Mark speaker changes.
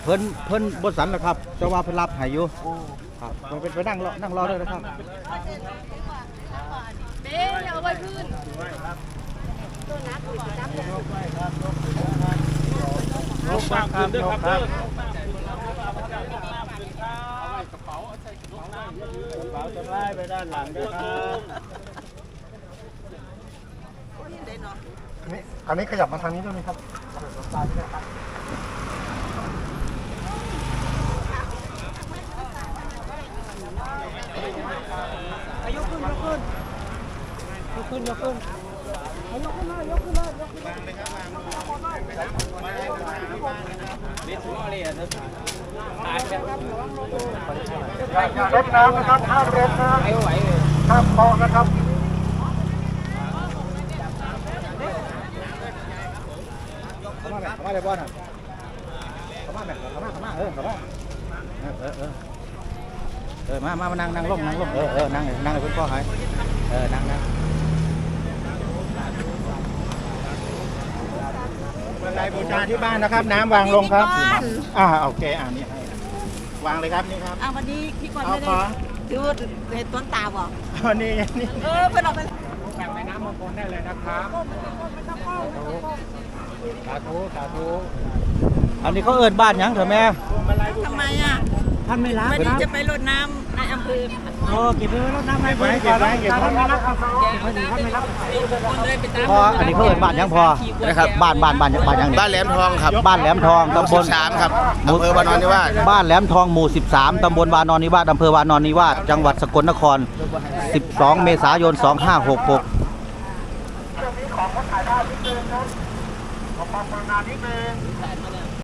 Speaker 1: เพิ่นบดสันแล้วครับจะว่าเพิ่นรับให้อยู่ครับไปนั่งรอเลยนะครับ
Speaker 2: เบ๊อย่าเอาไว้พื้นตัวนักตัวนัก
Speaker 3: ลงปากคืนด้วยครับกระเป๋าจะไล่ไปด้านหลังด้วยครับ
Speaker 4: อันนี้ขยับมาทางนี้ด้วยไหมครับ
Speaker 3: ยกขึ้นเลย
Speaker 4: อย่ารดน้ำนะครับห้ามรดนะห้ามคอนะครับ
Speaker 1: เข้ามาเลยบอลเข้ามามานั่งลงนั่งเพื่อนพ่อหายนั่ง
Speaker 4: บันไดบูชาที่บ้านนะครับน้ำวางลงครับโอเคนี่วางเลยครับนี่ครับ
Speaker 2: วันนี้พี่ก่อนไม่ได้ดูเห็นต้นตาบอก
Speaker 4: นี่
Speaker 2: เพื่อนออกไป
Speaker 4: แบ่งแม่น้ำมงคลได้เลยนะครับสาธุ
Speaker 1: อันนี้เขาเอิ้นบ้านยังเถอะแม่
Speaker 2: ทำไม
Speaker 1: ท่านไม่รับ
Speaker 2: วันนี้จะไปรดน้ำในอำเภอ
Speaker 1: เก็บไปรดน้ำให้เพื่อน
Speaker 4: ท่านไม่รับ
Speaker 1: พออันนี้เขาเอิ้นบ้านยังพอนะครับบ้านยังบ้าน
Speaker 5: แหลมทองครับ
Speaker 1: บ้านแหลมทองตำบล
Speaker 5: 13ครับอำเภอวานอนนิวาส
Speaker 1: บ้านแหลมทองหมู่13ตำบลวานอนนิวาสอำเภอวานอนนิวาสจังหวัดสกลนคร12 เมษายน 2566
Speaker 4: ของถ่ายได้นิดนึงครับขอความกรุณานิดนึง